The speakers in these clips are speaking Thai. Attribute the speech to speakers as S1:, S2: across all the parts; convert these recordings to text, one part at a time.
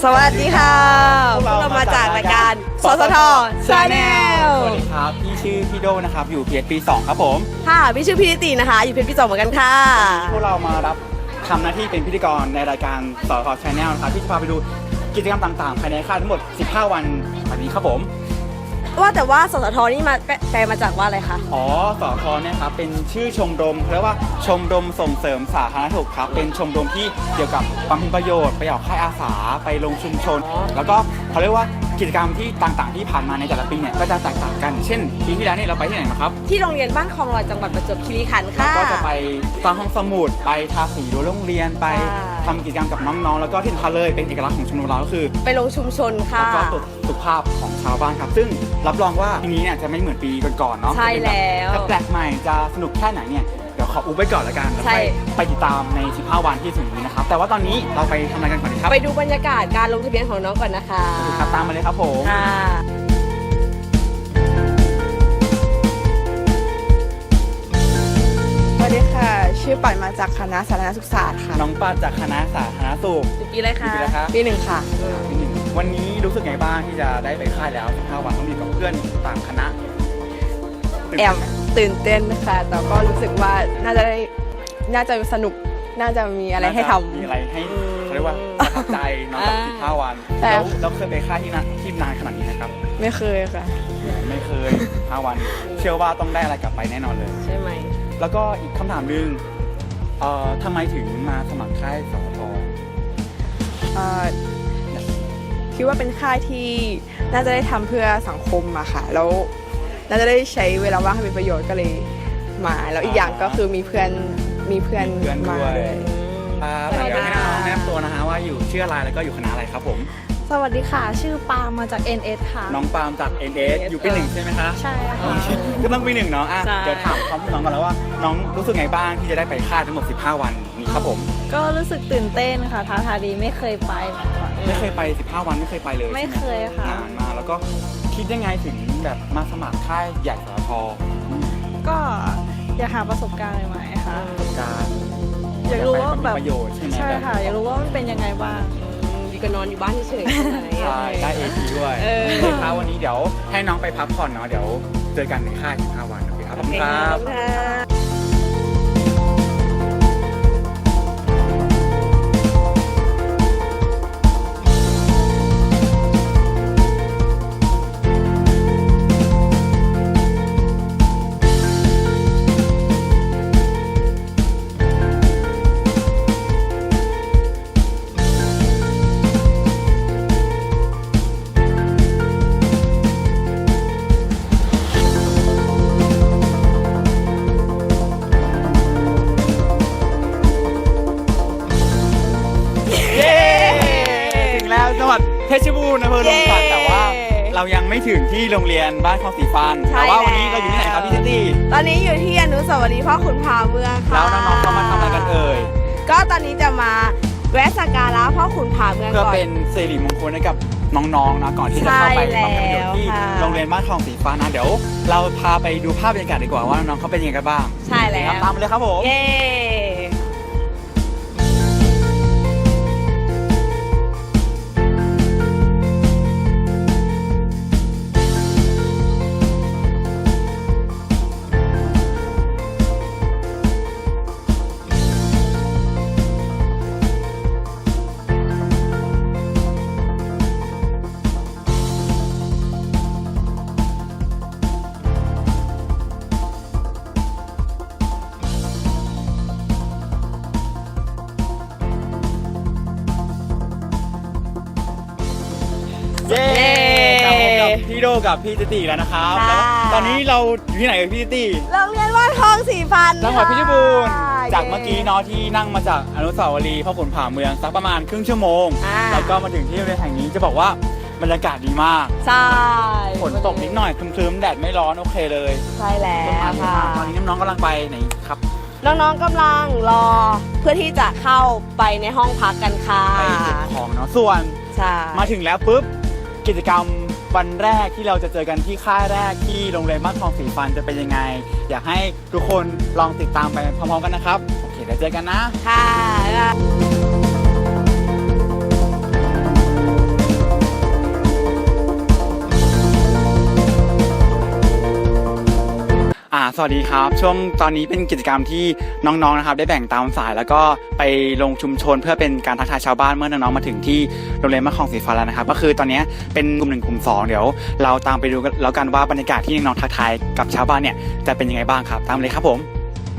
S1: วัสดีค่ะพวกเรามาจากรายการสสท Channel
S2: สวัสดีครับพี่ชื่อพี่โดนะครับอยู่เพจปี2ครับผม
S1: ค่ะพี่ชื่อพี่นิตินะคะอยู่เพจปี2เหมือนกันค่ะ
S2: พวกเรามารับทำหน้าที่เป็นพิธีกรในรายการสสท Channel นะครับที่จะพาไปดูกิจกรรมต่างๆภายในค่ายทั้งหมด15วันแบบนี้ครับผม
S1: ว่าแต่ว่าสสทนี่มาแปลมาจากว่าอะไรคะ
S2: อ๋อสทเนี่ยครับเป็นชื่อชมรมเรียกว่าชมรมส่งเสริมสาธารณสุขครับเป็นชมรมที่เกี่ยวกับบำเพ็ญประโยชน์ไปออกค่ายอาสาไปลงชุมชน แล้วก็เขาเรียกว่ากิจกรรมที่ต่างๆที่ผ่านมาในแต่ละปีเนี่ยก็จะแตกต่างกันเช่นปีที่แล้วเนี่ยเราไปที่ไหนมาครับ
S1: ที่โรงเรียนบ้านคลองลอยจังหวัดประจวบคีรีขันธ์ค่ะ
S2: ก็จะไปสร้างห้องสมุดไปทาสีรั้วโรงเรียนไปทำกิจกรรมกับน้องๆแล้วก็ที่สำคัญเลยเป็นเอกลักษณ์ของชมรมเราก็คือ
S1: ไปลงชุมชนค่ะ
S2: แล้วก็ตรวจสุขภาพของชาวบ้านครับซึ่งรับรองว่าปีนี้เนี่ยจะไม่เหมือนปีก่อนๆเนาะ
S1: ใช่แล้ว
S2: จะแปลกใหม่จะสนุกแค่ไหนเนี่ยเดี๋ยวขออุบไว้ก่อนละกันแล้ว
S1: ใช่
S2: ไปติดตามใน15วันที่ถึงนี้นะครับแต่ว่าตอนนี้เราไปทำอะไรกันก่อนดีครับ
S1: ไปดูบรรยากาศการลงทะเบียนของน้องก่อนนะคะ
S2: ครับตามมาเลยครับผม
S1: ค่ะ
S3: สวัสดีค่ะ ชื่อปัดมาจากคณะสาธารณสุขศาสตร์ค่ะ
S2: น้องปาจากคณะสาธารณสุข
S1: จุดกี่เลยค่ะ
S2: ปีแล้วครับ
S3: ปีหนึ่งค่ะ
S2: ปีหนึ่งวันนี้รู้สึกไงบ้างที่จะได้ไปค่ายแล้ว15วันต้องมีกับเพื่อนต่างคณะตื่น
S3: แอ
S2: เต้
S3: บ
S2: นไหม
S3: ตื่นเต้นค่ะ แต่ก็รู้สึกว่าน่าจะสนุก น่าจะมีอะไรให้ทำ
S2: มีอะไรให้เขาเรียกว่าประทับใจน้องกับ15วัน
S3: แต่
S2: แล้วเราเคยไปค่ายที่นานขนาดนี้นะครับ
S3: ไม่เคยค่ะ
S2: ไม่เคย15วัน เชื่อว่าต้องได้อะไรกลับไปแน่นอนเลย
S1: ใช่ไหม
S2: แล้วก็อีกคำถามหนึ่งทำไมถึงมาสมัครค่ายสท
S3: เอ่อคิดว่าเป็นค่ายที่น่าจะได้ทำเพื่อสังคมอะค่ะ แล้วน่าจะได้ใช้เวลาว่างให้เป็นประโยชน์ก็เลยมา แล้วอีกอย่างก็คือมีเพื่อนมาด้วย
S2: ครับเดี๋ยวให้น้องๆแนะนำตัวนะฮะว่าอยู่ชื่ออะไรแล้วก็อยู่คณะอะไรครับผม
S4: สวัสดีค่ะ ชื่อปาล์มมาจาก NS ค่ะ
S2: น้องปาล์มจาก NS อยู่ปีหนึ่งใช่ไหมคะ
S4: ใช่ค่ะ
S2: ก็ต้องปีหนึ่งเนาะอ่ะ
S1: ใช่
S2: เดี๋ยวถามความรู้น้องกันแล้วว่าน้องรู้สึกไงบ้างที่จะได้ไปค่ายทั้งหมด15วันนี้ครับผม
S4: ก็รู้สึกตื่นเต้นค่ะท้าทายดีไม่เคยไปมาก่อน
S2: ไม่เคยไป15วันไม่เคยไปเลย
S4: ไม่
S2: ใช่ห
S4: เคยค่ะ
S2: นานมากแล้วก็คิดยังไงถึงแบบมาสมัครค่ายใหญ่สท
S4: ก็อยากหาประสบการณ์ใหม่ๆค่ะ
S2: การ
S4: อยากรู้ว่าแบบ
S2: ประโยชน์ใช่ไหม
S4: ใช่ค่ะ อยากรู้ว่ามันเป็นยังไงบ้าง
S1: ดีก็นอนอยู่บ้านเฉยๆใช่ไหม
S2: ใช่ได้ AT ด้วย
S1: เออ
S2: โอเคครับวันนี้เดี๋ยวให้น้องไปพักผ่อนเนาะเดี๋ยวเจอกันในค่าย15วันโอเคครับขอบคุณครับ
S1: ค่ะ
S2: เย้ถึงแล้วจังหวัดเพชรบูรณ์อำเภอลมศักดิ์แต่ว่าเรายังไม่ถึงที่โรงเรียนบ้านคลองสีฟัน
S1: ใช่
S2: แต่ว่าวันนี้
S1: แล้ว
S2: เราอยู่ที่ไหนครับพี่เจตี้
S1: ตอนนี้อยู่ที่อนุสาวรีย์พ่อขุนผาเมืองค่ะ
S2: แล้วน้องๆเขามาทำอะไรกันเอ่ย
S1: ก็ตอนนี้จะมาแวะสักการะพ่อขุนผาเมือง
S2: เพื่อ
S1: ก่อน
S2: เป็นสิริมงคลให้กับน้องๆนะก่อนที่จะเข้าไป
S1: ใช่
S2: บำเพ็ญประโยชน์ที่
S1: แล้วค่ะ
S2: โรงเรียนบ้านคลองสีฟ้านะเดี๋ยวเราพาไปดูภาพบรรยากาศดีกว่าว่าน้องๆเขาเป็นยังไงกันบ้าง
S1: ใช่แล้ว
S2: ตามไปเลยครับผม
S1: เย้
S2: เย้กลับมากับพี่โดกับพี่เจตี้แล้วนะครับ
S1: ค่ะ
S2: แล้วตอนนี้เราอยู่ที่ไหนกับพี่เจตี้
S1: โรงเรียนว่านทองสีฟัน
S2: จังหวัดเพชรบูรณ์
S1: ค่ะ
S2: จากเมื่อกี้เนาะที่นั่งมาจากอนุสาวรีย์พ่อขุนผาเมืองสักประมาณครึ่งชั่วโมง
S1: อ่า
S2: แล้วก็มาถึงที่โรงเรียนแห่งนี้จะบอกว่าบรรยากาศดีมาก
S1: ใช่
S2: ฝนตกนิดหน่อยครึมๆแดดไม่ร้อนโอเคเลย
S1: ใช่แล้ว
S2: ต้นไม้เยอะ
S1: ค่ะ
S2: มากตอนนี้น้องๆกำลังไปไหนครับ
S1: น้องๆกำลังรอเพื่อที่จะเข้าไปในห้องพักกันค่ะ
S2: ไปเก็บของเนาะส่วน
S1: ใช่
S2: มาถึงแล้วปุ๊บกิจกรรมวันแรกที่เราจะเจอกันที่ค่ายแรกที่โรงเรียนบ้านคลองสีฟันจะเป็นยังไง อยากให้ทุกคนลองติดตามไปพร้อมๆกันนะครับโอเคเดี๋ยวเจอกันนะ
S1: ค่ะ
S2: สวัสดีครับช่วงตอนนี้เป็นกิจกรรมที่น้องๆนะครับได้แบ่งตามสายแล้วก็ไปลงชุมชนเพื่อเป็นการทักทายชาวบ้านเมื่อน้องๆมาถึงที่โรงเรียนมะคลองสีฟ้าแล้วนะครับก็คือตอนนี้เป็นกลุ่ม1กลุ่ม2เดี๋ยวเราตามไปดูแล้วกันว่าบรรยากาศที่น้องๆทักทายกับชาวบ้านเนี่ยจะเป็นยังไงบ้างครับตามเลยครับผม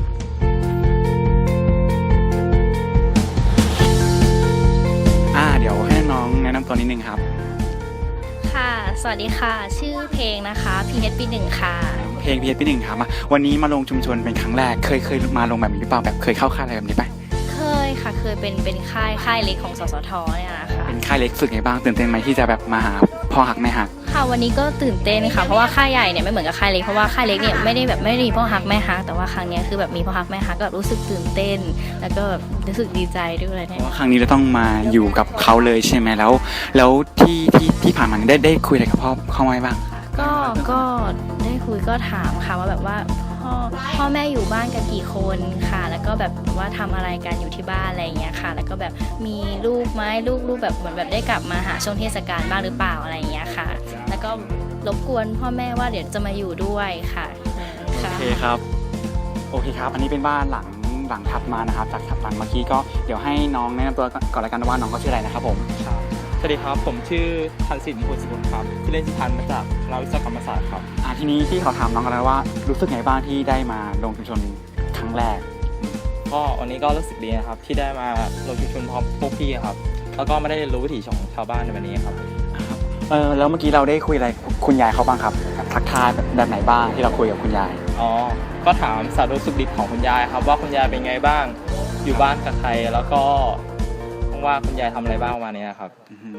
S2: เดี๋ยวให้น้องแนะนำตัวนิดนึงครับ
S5: ค่ะ สวัสดีค่ะ ชื่อเพลงนะคะพีเอสปี 1ค่ะ
S2: เพลงพีเอสปี 1ครับวันนี้มาลงชุมชนเป็นครั้งแรกเคยมาลงแบบนี้หรือเปล่าแบบเคยเข้าค่ายอะไรแบบนี้ไหม
S5: เคยค่ะเคยเป็นค่ายเล็กของสสทเนี่ยนะคะ
S2: เป็นค่ายเล็กฝึกไงบ้างตื่นเต้นไหมที่จะแบบมาหาพ่อหักแม่หัก
S5: ค่ะวันนี้ก็ตื่นเต้นค่ะเพราะว่าค่ายใหญ่เนี่ยไม่เหมือนกับค่ายเล็กเพราะว่าค่ายเล็กเนี่ยไม่ได้มีพ่อหักแม่หักแต่ว่าครั้งนี้คือแบบมีพ่อหักแม่หักก็รู้สึกตื่นเต้นแล้วก็รู้สึกดีใจด้วยเนี่ย
S2: เพราะว่าครั้งนี้เราต้องมาอยู่กับเขาเลยใช่ไหมแล้วที่ผ่านมาได้คุยอะไรกับพ่อไหมบ้าง
S5: ก็ได้คุยก็ถามค่ะว่าแบบว่าพ่อแม่อยู่บ้านกันกี่คนค่ะแล้วก็แบบว่าทำอะไรกันอยู่ที่บ้านอะไรอย่างเงี้ยค่ะแล้วก็แบบมีลูกไหมลูกแบบเหมือนแบบได้กลับมาหาช่วงเทศกาลบ้างหรือเปล่าอะไรอย่างเงี้ยค่ะแล้วก็รบกวนพ่อแม่ว่าเดี๋ยวจะมาอยู่ด้วยค่ะ
S2: โอเคครับโอเคครับอันนี้เป็นบ้านหลังถัดมานะครับจากถัดหลังเมื่อกี้ก็เดี๋ยวให้น้องแนะนำตัวก่อนละกันว่าน้องเขาชื่ออะไรนะครับผม
S6: สวัสดีครับผมชื่อทันสินบุญสกุลครับที่เล่นชิพันมาจากคณะวิศวกรรมศาสตร์ครับ
S2: ทีนี้ที่เขาถามน้องกันแล้วว่ารู้สึกไงบ้างที่ได้มาลงชุมชนครั้งแรก
S6: ก็วันนี้ก็รู้สึกดีนะครับที่ได้มาลงชุมชนพร้อมพวกพี่ครับแล้วก็ไม่ได้เรียนรู้วิถีของชาวบ้านในวันนี้ครับ
S2: แล้วเมื่อกี้เราได้คุยอะไรคุณยายเขาบ้างครับทักทายแบบไหนบ้างที่เราคุยกับคุณยาย
S6: ก็ถามสารสุขดิบของคุณยายครับว่าคุณยายเป็นไงบ้างอยู่บ้านกับใครแล้วก็ว่าคุณยายทำอะไรบ้างวันนี้นะครับ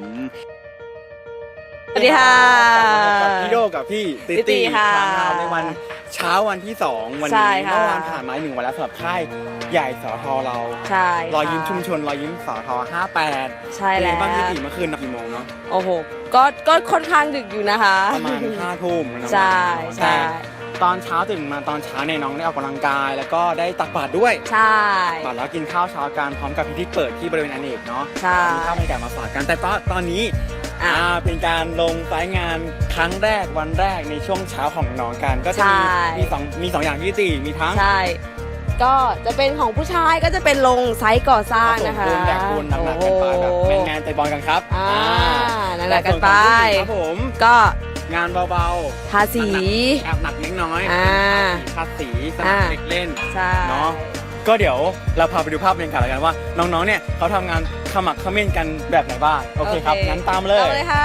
S1: สวัสดีค่ะ
S2: กับพี่โดกับพี่ติ
S1: ค่ะ
S2: ในวันเช้าวันที่2วันนี้เมื่อวานผ่านมา1วันแล้วสำหรับค่ายใหญ่สทเรา
S1: ใช่
S2: รอยยิ้มชุมชนรอยยิ้มสท58
S1: ใช่แล้ว
S2: บ้านติเมื่อคืนกี่โมงเนาะ
S1: โอ้โหก็ค่อนข้างดึกอยู่นะคะ
S2: ประมาณ5 ทุ่ม
S1: ใช่
S2: ตอนเช้าตื่นมาตอนเช้าเนี่ยน้องได้ออกกำลังกายแล้วก็ได้ตักบาตรด้วย
S1: ใช่
S2: บาตรแล้วกินข้าวเช้ากันพร้อมกับพิธีเปิดที่บริเวณอเนกเนาะ
S1: ใช่
S2: มีข้าวบรรยากาศมาฝากกันแต่ตอนนี้เป็นการลงสายงานครั้งแรกวันแรกในช่วงเช้าของน้องกันก็จะมี2อย่างที่มีทั้ง
S1: ใช่ก็จะเป็นของผู้ชายก็จะเป็นลงไซต์ก่อสร้างนะคะ
S2: แบกปูนหนักๆกันไปแบบแมนๆใจบอลกันครับ
S1: หนักๆกันไป
S2: ครับผม
S1: ก็
S2: งานเบาๆ
S1: ทาสี
S2: แอบหนักเล็กน้อยทาสีสนามเด็กเล่นเนาะก็เดี๋ยวเราพาไปดูภาพบรรยากาศกันว่าน้องๆเนี่ยเขาทำงานขมักเขม้นกันแบบไหนบ้างโอเคครับงั้นตามเลย
S1: ค่ะ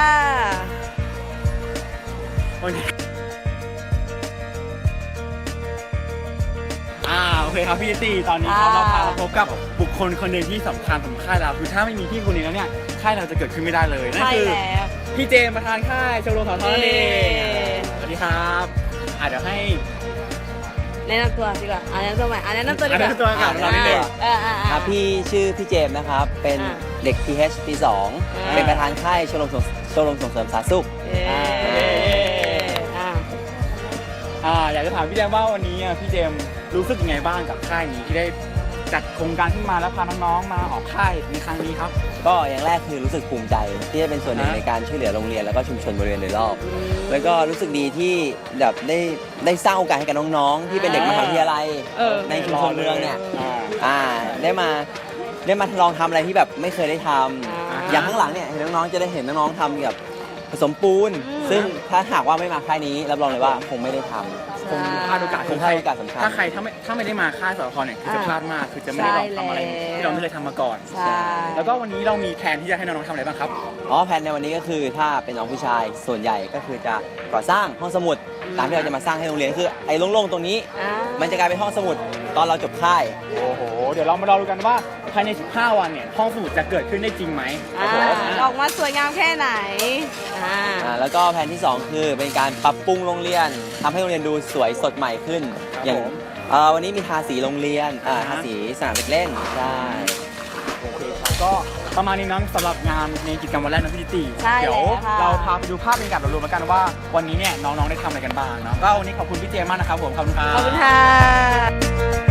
S2: โอเคครับพี่ตีตอนนี้เราพาพบกับบุคคลคนหนึ่งที่สำคัญของค่ายเราคือถ้าไม่มีพี่คนนี้แล้วเนี่ยค่ายเราจะเกิดขึ้นไม่ได้เลยนั่นคือพี่เจมประธานค่ายชมรมสทนั่นเองสวัสดีครับเดี๋ยวให้
S1: แนะนำตัวดีกว่าแนะนำตัวใหม่แนะนำตัวดีกว่า
S2: แนะนำตัวกับเราดีกว่า
S7: ครับพี่ชื่อพี่เจมนะครับเป็นเด็ก PH ปี 2เป็นประธานค่ายชมรมส่งเสริมสาธารณสุข
S2: อยากจะถามพี่เจมว่าวันนี้พี่เจมรู้สึกยังไงบ้างกับค่ายนี้ที่ได้จัดโครงการขึ้นมาแล้วพาน้องๆมาออกค่ายในครั้งนี้ครับ
S7: ก็อย่างแรกคือรู้สึกภูมิใจที่ได้เป็นส่วนหนึ่งในการช่วยเหลือโรงเรียนแล้วก็ชุมชนบริเวณโดยรอบแล้วก็รู้สึกดีที่แบบได้สร้างโอกาสให้กับน้องๆที่เป็นเด็กมหาวิทยาลัยในชุมชนเมืองเนี่ยได้มาลองทำอะไรที่แบบไม่เคยได้ทำอย่างข้างหลังเนี่ยเห็นน้องๆจะได้เห็นน้องๆทำกับผสมปูนซึ่งถ้าหากว่าไม่มาค่ายนี้รับรองเลยว่าคงไม่ได้ทำ
S2: คงพลาดโอกาส
S7: สำคัญ
S2: ถ้าไม่ได้มาค่ายสทเนี่ยคือจะพลาดมากคือจะไม่ได้ลองทำอะไรที่เราไม่เคยทำมาก่อนแล้วก็วันนี้เรามีแผนที่จะให้น้องๆทำอะไรบ้างครับ
S7: แผนในวันนี้ก็คือถ้าเป็นน้องผู้ชายส่วนใหญ่ก็คือจะก่อสร้างห้องสมุดตามที่เราจะมาสร้างให้โรงเรียนคือไอ้โล่งๆตรงนี้มันจะกลายเป็นห้องสมุดตอนเราจบค่าย
S2: โอ้โหเดี๋ยวเรามาดูกันว่าภายใน15 วันเนี่ยห้องสมุดจะเกิดขึ้นได้จริงไหม
S1: ออกมาสวยงามแค่ไหน
S7: แล้วก็แผนที่2คือเป็นการปรับปรุงโรงเรียนทำให้โรงเรียนดูสวยสดใหม่ขึ้นอย่างวันนี้มีทาสีโรงเรียนทาสีสนามเด็กเล่นใช่
S2: โอเคครับก็ประมาณนี้นะสำหรับงานในกิจกรรมวันแรกนะพี่ติเดี๋ยวเราพาไปดูภาพบรรยากาศรวมๆกันว่าวันนี้เนี่ยน้องๆได้ทำอะไรกันบ้างเนาะก็วันนี้ขอบคุณพี่เจมากนะครับผมขอบคุณครับ
S1: ขอบคุณค่ะ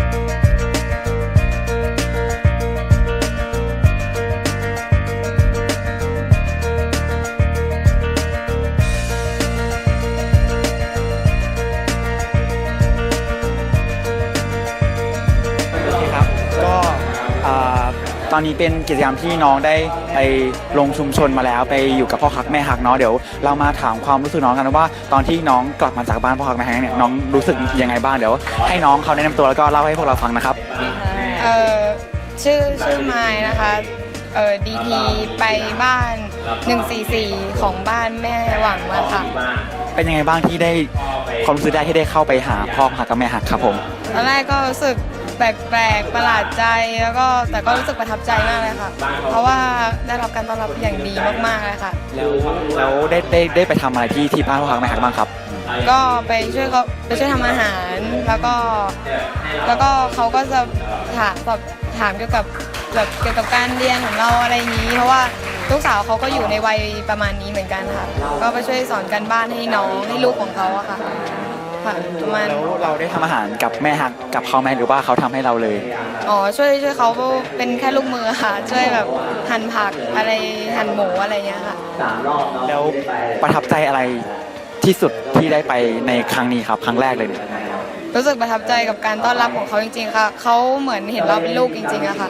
S2: อนนี้เป็นกิจกรรมที่น้องได้ไปลงชุมชนมาแล้วไปอยู่กับพ่อฮักแม่ฮักเนาะเดี๋ยวเรามาถามความรู้สึกน้องกันว่าตอนที่น้องกลับมาจากบ้านพ่อฮักแม่ฮักเนี่ยน้องรู้สึกยังไงบ้างเดี๋ยวให้น้องเขาแนะนำตัวแล้วก็เล่าให้พวกเราฟังนะครับ
S8: ชื่อไมล์นะคะDP ไปบ้าน 144 ของบ้านแม่หวังมาค่ะ
S2: เป็นยังไงบ้างที่ได้ความรู้สึกได้ที่ได้เข้าไปหาพ่อฮักกับแม่ฮักครับผม
S8: ตอนแรกก็รู้สึกแปลกๆประหลาดใจแล้วก็แต่ก็รู้สึกประทับใจมากเลยค่ะ เพราะว่าได้รับการต้อนรับอย่างดีมากๆเลยค่ะ
S2: แล้วได้ไปทำอะไรที่บ้านพ่อฮักแม่ฮักบ้างครับ
S8: ก็ไปช่วยทำอาหารแล้วก็เขาก็จะถามเกี่ยวกับการเรียนของเราอะไรอย่างนี้ เพราะว่าลูกสาวเขาก็อยู่ในวัยประมาณนี้เหมือนกันค่ะ ก็ไปช่วยสอนการบ้านให้น้องให้ลูกของเขาอะค่ะประมาณ
S2: แล้วเราได้ทำอาหารกับแม่ฮักกับเขาไหมหรือว่าเขาทำให้เราเลย
S8: อ๋อช่วยเขาเป็นแค่ลูกมือค่ะ ช่วยแบบหั่นผักอะไรหั่นหมูอะไรเงี้ยค่ะ
S2: แล้วประทับใจอะไรที่สุดที่ได้ไปในครั้งนี้ครับครั้งแรกเลยเนี่ย
S8: รู้สึกประทับใจกับการต้อนรับของเขาจริงๆค่ะเขาเหมือนเห็นเราเป็นลูกจริงๆอะค่ะ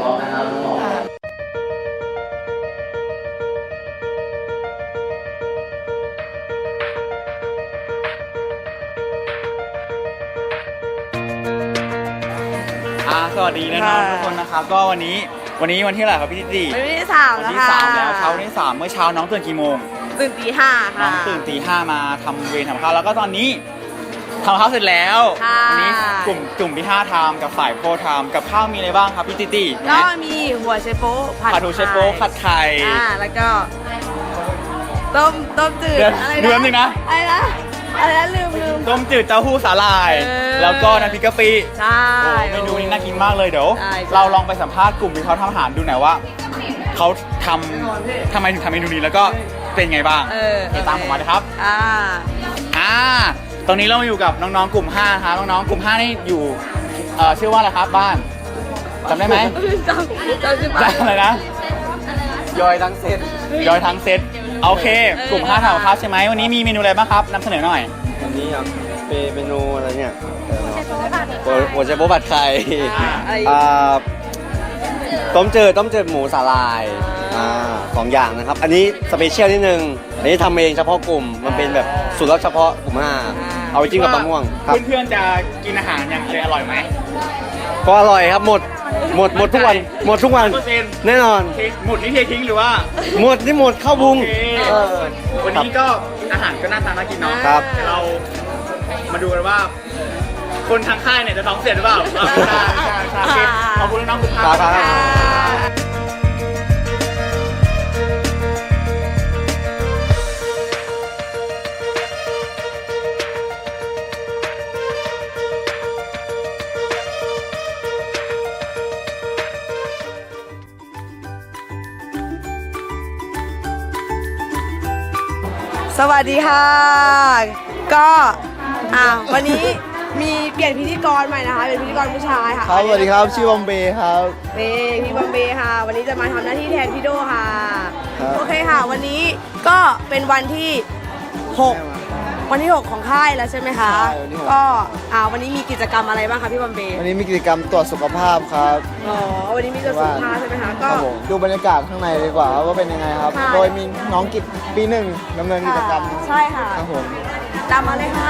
S2: สวัสดีนะน้องทุกคนนะครับก็วันนี้วันที่เท่าไหร่ครับพี่ติ
S1: วันที่สาม
S2: วัน
S1: แล้ว
S2: ที่
S1: ค่ะ
S2: สามแล้วเช้าวันที่สามเมื่อเช้าน้องตื่นกี่โมง
S1: ตื่นตีห้า
S2: น้อ
S1: ค่ะ
S2: งตื่นตี 5มาทำเวรทำข้าวแล้วก็ตอนนี้ทำข้าวเสร็จแล้ว
S1: ค่ะ
S2: วันี้กลุ่มที่5ทำกับฝ่ายโพทำกับข้าวมีอะไรบ้างครับพี่ติ
S1: ก็มีหัวไชโป๊ะผัด
S2: ผัดทูเชโป๊ผัดไข่
S1: แล้วก็ต้มจืด
S2: เดี๋ยว
S1: อะไร
S2: เดือนหนึ่งนะ
S1: อะไรนะลืม
S2: ต้มจืดเต้าหู้สาหร่าย แล้วก็น้ำพริกกะปิ
S1: ใช่
S2: โอ้เมนูนี้น่ากินมากเลยเดี๋ยว
S1: ใช่
S2: เราลองไปสัมภาษณ์กลุ่มที่เขาทำอาหารดูหน่อยว่าเขาทำไมถึงทำเมนูนี้แล้วก็เป็นไงบ้างติดตามผมมาเลยครับตรงนี้เรามาอยู่กับน้องๆกลุ่ม5ครับน้องๆกลุ่ม5นี่อยู่ชื่อว่าอะไรครับบ้านจำได้ไหม
S1: จำชื่อ
S2: จำอะไรนะยอยทั้งเซตโอเค กลุ่ม5ทำกับข้าวใช่ไหมวันนี้มีเมนูอะไรบ้างครับนำเสนอหน่อย
S9: วันนี้ครับเป็นเมนูอะไรเนี่ยหัวใจโป๊ะผัดไข่ต้มจืดหมูสาลาย2 อย่างนะครับ อันนี้สเปเชียลนิดนึงอันนี้ทำเองเฉพาะกลุ่มมันเป็นแบบสูตรลับเฉพาะกลุ่ม5เอาไปจิ้มกับมะม่วงครับ
S2: เพื่อนๆจะกินอาหารอย่างอร่อยไหม
S9: ก็อร่อยครับหมดทุกวันแน่นอน
S2: หมดที่เททิ้งหรือว่า
S9: หมดเข้าพุง
S2: โอเควันนี้ก็อาหารก็น่าทานน่ากินเนาะ
S9: ครับ
S2: เดี๋ยวเรามาดูกันว่า คนทางค่ายเนี่ยจะท้องเสียหรือเปล่าใช่ขอบคุณน้องๆทุกท่าน
S9: ครับ
S1: สวัสดีค่ะ ก็วันนี้มีเปลี่ยนพิธีกรใหม่นะคะเป็นพิธีกรผู้ชายค่ะ
S9: ครับสวัสดีครับชื่อบอมเบย์ครับ
S1: พี่บอมเบย์ค่ะ วันนี้จะมาทำหน้าที่แทนพี่โดค่ะ
S9: ครับ
S1: โอเคค่ะ วันนี้ก็เป็นวันที่ 6 วันที่ 6 ของค่ายแล้วใช่ไหมคะ
S9: ใช่วันที่
S1: ก็วันนี้มีกิจกรรมอะไรบ้างคะพี่บอมเบย์
S9: วันนี้มีกิจกรรมตรวจสุขภาพครับ
S1: อ๋อวันนี้มีกระสุนผ้าใช่ไหมคะ
S9: ค
S1: ก็
S9: รับผมดูบรรยากาศข้างในดีกว่าว่าเป็นยังไงครับ
S1: ค่ะ
S9: โดยมีน้องกิจปี 1ดำเนินกิจกรรม
S1: ใช่ค่ะ
S9: ครับผม
S1: ตามมาเลยค่ะ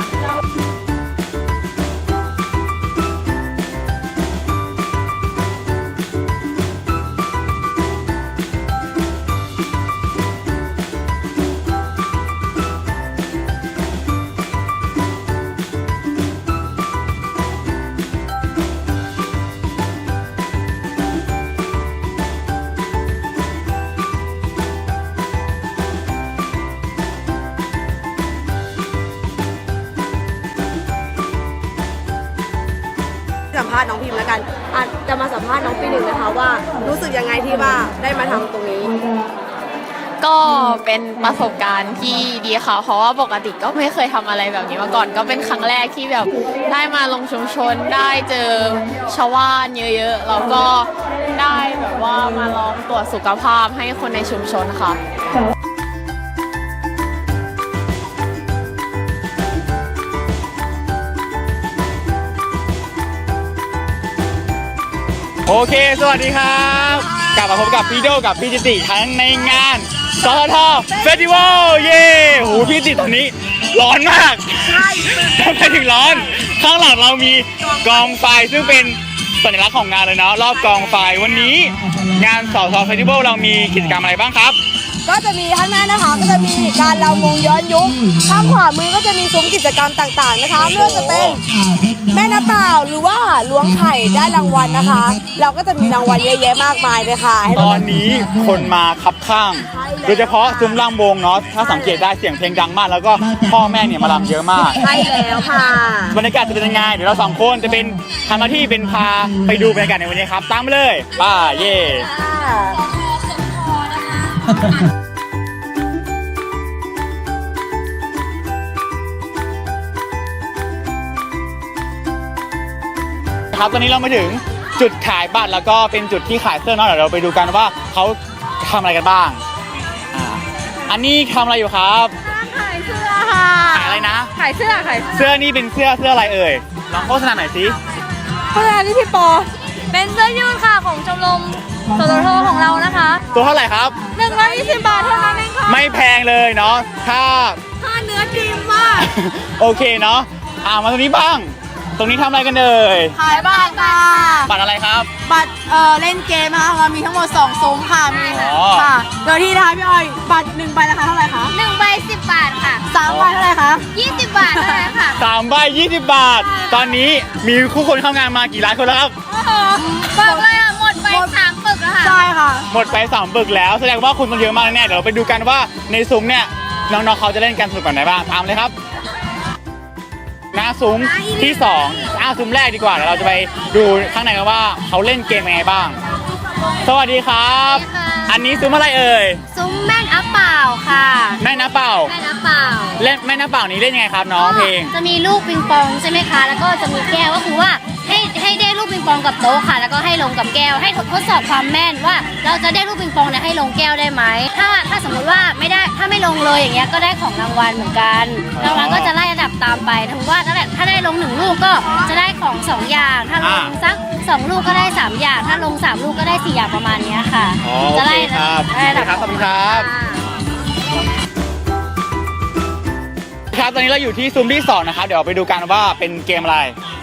S1: สัมภาษณ์น้องพิมพ์แล้วกันจะมาสัมภาษณ์น้องปี 1นะคะว่ารู้สึกยังไงที่ว่าได้มาทำตรงนี้
S10: ก็เป็นประสบการณ์ที่ดีค่ะ เพราะว่าปกติก็ไม่เคยทำอะไรแบบนี้มาก่อน ก็เป็นครั้งแรกที่แบบได้มาลงชุมชน ได้เจอชาวบ้านเยอะๆ แล้วก็ได้แบบว่ามาลองตรวจสุขภาพให้คนในชุมชนค่ะ
S2: โอเค สวัสดีครับกลับมาพบกับพี่โดกับพี่จิติทั้งในงานสททเฟสติวัลเย้โหพี่จิตตอนนี้ร้อนมากทำไมถึงร้อนข้างหลังเรามีกองไฟซึ่งเป็นสัญลักษณ์ของงานเลยเนาะรอบกองไฟวันนี้งานสททเฟสติวัลเรามีกิจกรรมอะไรบ้างครับ
S1: ก็จะมีข้างหน้านะคะก็จะมีการรำวงย้อนยุคข้างขวามือก็จะมีซุ้มกิจกรรมต่างๆนะคะไม่ว่าจะเป็นแม่น้ำเปล่าหรือว่าล้วงไข่ได้รางวัลนะคะ เราก็จะมีรางวัลเยอะแยะมากมายเลยค่ะ
S2: ตอนนี้คนมาคับข้าง โดยเฉพาะซุ้มรำวงเนาะถ้าสังเกตได้เสียงเพลงดังมาก แล้วก็พ่อแม่เนี่ยมารำเยอะมาก
S1: ใช่แล้วค่ะ
S2: บรรยากาศจะเป็นยังไงเดี๋ยวเราสองคนจะเป็นทำหน้าที่เป็นพาไปดูบรรยากาศในวันนี้ครับตามมาเลยป้าเย่ครับตอนนี้เรามาถึงจุดขายบัตรแล้วก็เป็นจุดที่ขายเสื้อเนาะเดี๋ยวเราไปดูกันว่าเขาทำอะไรกันบ้างอันนี้ทำอะไรอยู่ครับ
S4: ขายเสื้อค่ะ
S2: ขายอะไรนะ
S4: ขายเสื้อ
S2: เสื้อนี่เป็นเสื้ออะไรเอ่ยลองโฆษณาหน่อยสิ
S4: เสื้อที่พี่ปอ เป็นเสื้อยืดค่ะของชมรมสททของเรานะคะ
S2: ตัวเท่าไหร่ครับ
S4: 120 บาทเท่านั้นเองค่ะ
S2: ไม่แพงเลยเนาะถ้า
S4: เนื้อดีมาก
S2: โอเคเนาะมาตรงนี้บ้าง ตรงนี้ทำอะไรกันเอ่ย
S8: ขายบัตรค่ะ
S2: บัตรอะไรครับ
S8: บัตรเล่นเกมนะคะเรามีทั้งหมด2ซุ้มค่ะมี
S2: อ๋อ
S8: ค่ะโดยที่นะคะพี่ออยบัตร1ใบราคาเท่าไหร่คะ
S10: 1 ใบ 10 บาทค่ะ
S8: 3ใบเท่าไหร่คะ
S10: 20 บาทเท่านั้นค่ะ
S2: 3 ใบ 20 บาท ตอนนี้มีคู่คนเข้างานมากี่ล้านคนแล้วครับ
S10: บอกเลยอ่ะ หมดไป3 ปึกแล้วค่ะ
S8: ใช่ค่ะ
S2: หมดไป3 ปึกแล้วแสดงว่าคุณต้องเยอะมากแน่ๆเดี๋ยวเราไปดูกันว่าในซุ้มเนี่ยน้องๆเขาจะเล่นกันสนุกแบบไหนบ้างตามเลยครับหน้าซุ้มที่2ซุ้มแรกดีกว่าเดี๋ยวเราจะไปดูข้างในกันว่าเขาเล่นเกมยังไงบ้าง สวัสดีครับ
S10: สวัสดีค่ะ
S2: อันนี้ซุ้มอะไรเอ่ย
S10: ซุ้มแม่น้ำเปล่าค่ะ
S2: แม่น้ำเปล่า
S10: แม่น้ำเปล่า
S2: เล่นแม่น้ำเปล่านี้เล่นยังไงครับน้องเพลง
S10: จะมีลูกปิงปองใช่ไหมคะ แล้วก็จะมีแก้วก็คือว่าให้ได้ลูกปิงปองกับโต๊ะค่ะ แล้วก็ให้ลงกับแก้ว ให้ทดสอบความแม่นว่าเราจะได้ลูกปิงปองเนี่ยให้ลงแก้วได้ไหม ถ้าสมมติว่าไม่ได้ถ้าไม่ลงเลยอย่างเงี้ยก็ได้ของรางวัลเหมือนกันรางวัลก็จะไล่ระดับตามไปถือว่าถ้าได้ลง1 ลูกก็จะได้ของ2 อย่าง ถ้าลงสัก2 ลูกก็ได้3 อย่าง ถ้าลง3 ลูกก็ได้4 อย่างประมาณเนี้ยค่ะ
S2: อ๋อโอ
S10: จะ
S2: เค
S10: ไล่
S2: ครับ
S10: ได้ระดับ
S2: ขอบคุณครับครับตอนนี้เราอยู่ที่ซุ้มที่2นะครับเดี๋ยวเราไปดูกันว่าเป็นเกมอะไร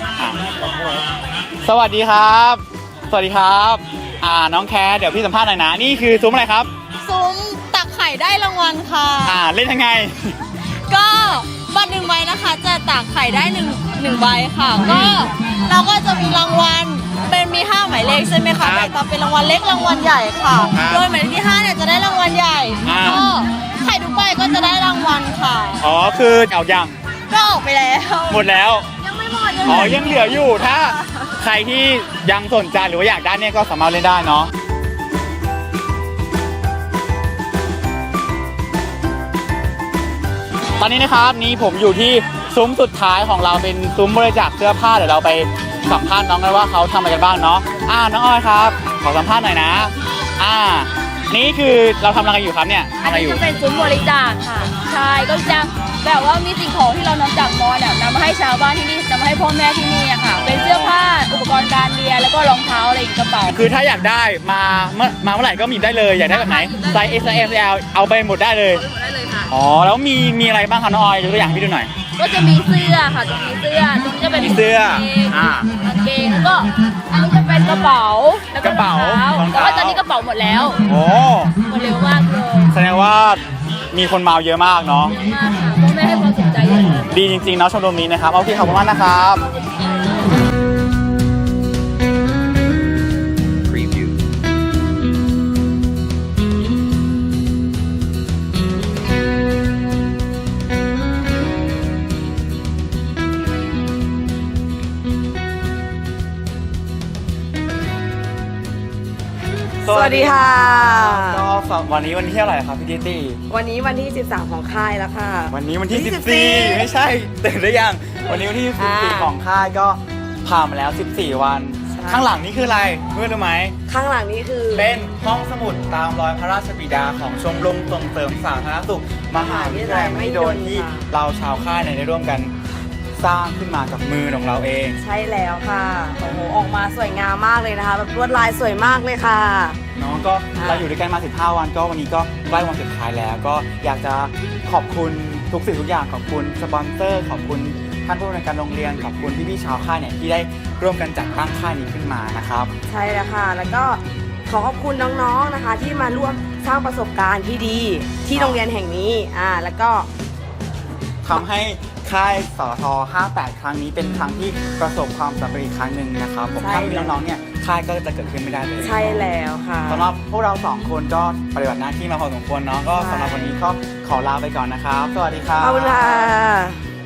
S2: สวัสดีครับ สวัสดีครับน้องแคร์เดี๋ยวพี่สัมภาษณ์หน่อยนะนี่คือซุ้มอะไรครับ
S8: ซุ้มตักไข่ได้รางวัลค่ะ
S2: เล่นยังไง
S8: ก็บัตร1ใบนะคะจะตักไข่ได้1ใบค่ะก็เราก็จะมีรางวัลเป็นมี5หมายเลขใช่ไหม
S2: ครั
S8: คะ
S2: บ
S8: แบ่งตามเป็นรางวัลเล็กรางวัลใหญ่ค่ะ
S2: ครับ
S8: โดยหมายเลขที่5เนี่ยจะได้รางวัลใหญ่ ก็ไข่ทุกใบก็จะได้รางวัลค่ะ
S2: อ๋อคือเอายัง
S8: ก็ออกไปแล้ว
S2: หมดแล้ว
S8: ยังไม่หมด
S2: อ๋อยังเหลืออยู่ถ้าใครที่ยังสนใจหรือว่าอยากได้เนี่ยก็สามารถเล่นได้เนาะตอนนี้นะครับนี่ผมอยู่ที่ซุ้มสุดท้ายของเราเป็นซุ้มบริจาคเสื้อผ้าเดี๋ยวเราไปสัมภาษณ์น้องกันว่าเขาทำอะไรกันบ้างเนาะน้องออยครับขอสัมภาษณ์หน่อยนะนี่คือเราทำอะไรกันอยู่ครับเนี่ยทำอะไรอยู่
S4: จะเป็นซุ้มบริจาคค่ะ ใช่ ก็จะแบบว่ามีสิ่งของที่เรานำจากมอเนี่ยนำมาให้ชาวบ้านที่นี่นำมาให้พ่อแม่ที่นี่อะค่ะ เป็นเสื้อผ้า อุปกรณ์การเรียน แล้วก็รองเท้าอะไรอีกกระเป๋า
S2: คือถ้าอยากได้มาเมื่อไหร่ก็มีได้เลยอยากได้แบบไหนไซส์ S M L เอาไปหมดได้เลย
S4: ได้เลยค่ะ
S2: อ๋อแล้วมีอะไรบ้างคะน้องออยยกตัวอย่างให้พี่ดูหน่อย
S4: ก็จะมีเสื้อค่ะจะมีเสื้อตรงนี้จะเป็น
S2: มีเสื้อก
S4: างเกงแล้วก็อันนี้จะเป็นกระเป๋าแล้ว
S2: กระเป๋าร
S4: องเท้าแต่ว่าตอนนี้กระเป๋าหมดแล้ว
S2: โอ้
S4: หมดเร็วมากเลย
S2: แสดงว่ามีคนมาเยอะมากเนาะ
S4: มากค่ะพ่อแม่ให้ความสนใจเยอะมาก
S2: ดีจริงๆเนาะชมรมนี้นะครับโอเคขอบคุณมากนะครับ
S1: สวัสดีค่ะ
S2: ก็วันนี้วันที่เท่าไหร่ครับพี่ดิตี้
S1: วันนี้วันที่13ของค่ายแล้วค่ะ
S2: วันนี้วันที่
S1: ที่
S2: 14ไม่ใช่ตื่นหรือยังวันนี้วันที่ 14ของค่ายก็ผ่านมาแล้ว14 วัน ข้างหลังนี่คืออะไรเพื่อนรู้ไหม
S1: ข้างหลังนี้คือ
S2: เป็นห้องสมุดตามรอยพระราชบิดาของชมรมส่งเสริมสาธารณสุขมหาวิทยาลัยมหิดลที่เราชาวค่ายเนี่ยได้ร่วมกันสร้างขึ้นมากับมือของเราเอง
S1: ใช่แล้วค่ะโอ้โหออกมาสวยงามมากเลยนะคะแบบลวดลายสวยมากเลยค่ะ
S2: น้องก็เราอยู่ด้วยกันมา15 วันก็วันนี้ก็ใกล้วันสุดท้ายแล้วก็อยากจะขอบคุณทุกสิ่งทุกอย่างขอบคุณสปอนเซอร์ขอบคุณท่านผู้บริหารโรงเรียนขอบคุณพี่ๆชาวค่ายเนี่ยที่ได้ร่วมกันจัดตั้งค่ายนี้ขึ้นมานะครับ
S1: ใช่แล้วค่ะ แล้วก็ขอขอบคุณน้องๆนะคะ ที่มาร่วมสร้างประสบการณ์ที่ดีที่โรงเรียนแห่งนี้แล้วก็
S2: ทำให้ค่ายสท58 ครั้งนี้เป็นครั้งที่ประสบความสำเร็จอีกครั้งหนึ่งนะครับผม
S1: ใช่
S2: ถ้าไม่มีน้องๆเนี่ยค่ายก็จะเกิดขึ้นไม่ได้เลย
S1: ใช่แล้วค่ะ
S2: สำหรับพวกเราสองคนก็ปฏิบัติหน้าที่มาพอสมควรเนาะก็
S1: ใช่
S2: สำหรับวันนี้ก็ขอลาไปก่อนนะครับ สวัสดีครับ
S1: ขอบคุณค่ะ